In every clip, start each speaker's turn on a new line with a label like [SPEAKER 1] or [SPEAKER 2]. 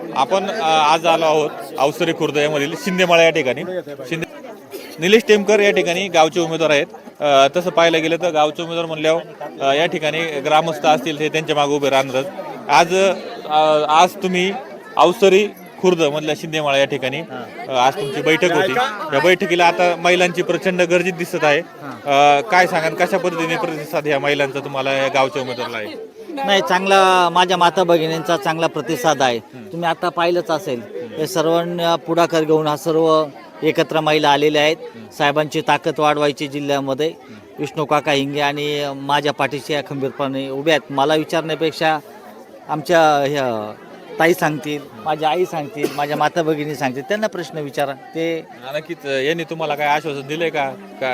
[SPEAKER 1] आपण आज आलो आहोत अवसरी खुर्द यामधील शिंदेमाळा या ठिकाणी. निलेश टेमकर या ठिकाणी गावचे उमेदवार आहेत. तसं पाहायला गेलं तर गावचे उमेदवार म्हणल्यावर या ठिकाणी ग्रामस्थ असतील ते त्यांच्या मागे उभे राहणारच. आज तुम्ही अवसरी खुर्द मधल्या शिंदेमाळा या ठिकाणी आज तुमची बैठक होती. या बैठकीला आता महिलांची प्रचंड गर्दी दिसत आहे. काय सांगाल, कशा पद्धतीने प्रतिसाद या महिलांचा तुम्हाला या गावच्या उमेदवाराला आहे?
[SPEAKER 2] नाही, चांगला माझ्या माता भगिनींचा चांगला प्रतिसाद आहे. तुम्ही आता पाहिलंच असेल, हे सर्वांना पुढाकार घेऊन हा सर्व एकत्र महिला आलेल्या आहेत. साहेबांची ताकद वाढवायची जिल्ह्यामध्ये. विष्णू काका हिंगे आणि माझ्या पाठीशी या खंबीरपणे उभ्या आहेत. मला विचारण्यापेक्षा आमच्या ह्या ताई सांगतील, माझ्या आई सांगतील, माझ्या माता भगिनी सांगतील, त्यांना प्रश्न विचारा. ते
[SPEAKER 1] नक्कीच यांनी तुम्हाला काय आश्वासन दिले का?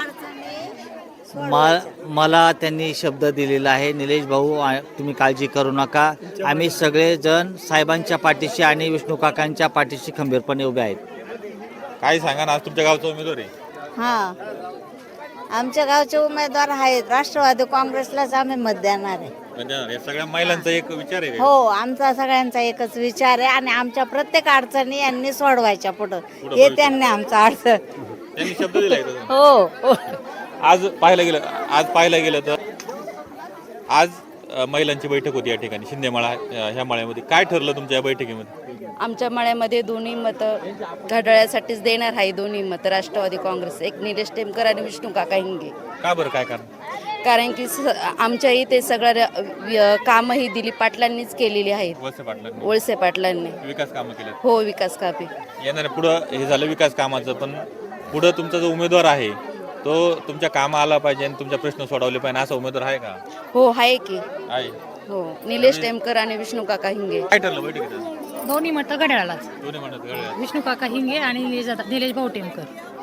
[SPEAKER 2] मला त्यांनी शब्द दिलेला आहे, निलेश भाऊ तुम्ही काळजी करू नका, आम्ही सगळेजण साहेबांच्या पाठीशी आणि विष्णू काकांच्या पाठीशी खंबीरपणे उभे आहेत.
[SPEAKER 1] काय सांगा ना, आज तुमच्या गावचा उमेदवार आहे?
[SPEAKER 3] हां, आमच्या गावचे उमेदवार आहेत. राष्ट्रवादी काँग्रेसलाच आम्ही मत देणार आहे.
[SPEAKER 1] या सगळ्या महिलांचा एक विचार आहे.
[SPEAKER 3] हो, आमचा सगळ्यांचा एकच विचार आहे आणि आमच्या प्रत्येक अडचणी यांनी सोडवायच्या पुढं. हे त्यांनी आमचा अडचण
[SPEAKER 1] त्यांनी शब्द दिलाय.
[SPEAKER 3] हो.
[SPEAKER 1] आज पाहायला गेलं तर आज महिलांची बैठक होती या ठिकाणी शिंदेमाळा ह्या माळ्यामध्ये. काय ठरलं तुमच्या या बैठकीमध्ये?
[SPEAKER 4] आमच्या माळ्यामध्ये दोन्ही मतं घड्याळ्यासाठीच देणार आहे. दोन्ही मतं राष्ट्रवादी काँग्रेस, एक निलेश टेमकर आणि विष्णू काका हिंगे.
[SPEAKER 1] का बरं, काय कारण?
[SPEAKER 4] कारण की आमच्या इथे सगळं कामं ही दिलीप पाटलांनीच केलेली आहेत. वळसे पाटलांनी
[SPEAKER 1] विकास कामं केली.
[SPEAKER 4] हो, विकास कापे
[SPEAKER 1] येणार पुढं हे झालं विकास कामाचं, पण पुढं तुमचा जो उमेदवार आहे तो तुमच्या कामा आला पाहिजे आणि तुमचे प्रश्न सोडवले पाहिजे, असा उमेदवार आहे का?
[SPEAKER 4] हो, आहे की.
[SPEAKER 1] आहे.
[SPEAKER 4] हो, निलेश टेमकर आणि विष्णू काका हिंगे.
[SPEAKER 1] काय ठरलं बैठकीत?
[SPEAKER 5] दोन्ही मतं घड्याळालाच.
[SPEAKER 1] दोन्ही म्हणत घड्याळ.
[SPEAKER 5] विष्णू काका हिंगे आणि निलेश भाऊ टेमकर.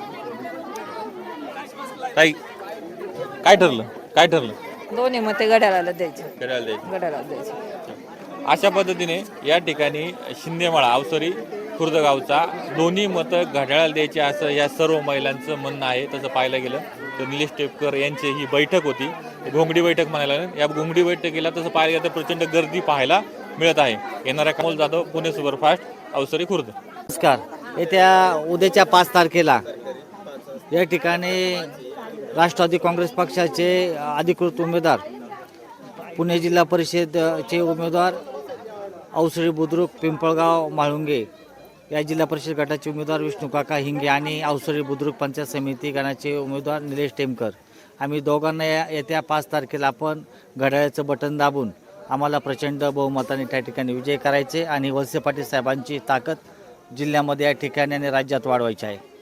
[SPEAKER 1] ताई, काय ठरलं?
[SPEAKER 6] दोन्ही मते घड्याळाला द्यायचे.
[SPEAKER 1] घड्याळ द्यायचे. अशा पद्धतीने या ठिकाणी शिंदेमाळा अवसरी खुर्द गावचा दोन्ही मतं घड्याळाला द्यायची असं या सर्व महिलांचं म्हणणं आहे. तसं पाहायला गेलं तर निलेश टेमकर यांची ही बैठक होती, घोंगडी बैठक म्हणायला. या घोंगडी बैठकीला तसं पाहायला गेलं तर प्रचंड गर्दी पाहायला मिळत आहे. येणाऱ्या कमल जाधव, पुणे सुपरफास्ट, अवसरी खुर्द.
[SPEAKER 2] नमस्कार. येत्या उद्याच्या 5 तारखेला या ठिकाणी राष्ट्रवादी काँग्रेस पक्षाचे अधिकृत उमेदवार, पुणे जिल्हा परिषदचे उमेदवार अवसरी बुद्रुक, पिंपळगाव, म्हाळुंगे या जिल्हा परिषद गटाचे उमेदवार विष्णू काका हिंगे आणि अवसरी बुद्रुक पंचायत समिती गणाचे उमेदवार निलेश टेमकर, आम्ही दोघांना येत्या 5 तारखेला आपण घड्याळाचं बटन दाबून आम्हाला प्रचंड बहुमताने त्या ठिकाणी विजय करायचे आणि वळसे पाटील साहेबांची ताकद जिल्ह्यामध्ये या ठिकाणी आणि राज्यात वाढवायची आहे.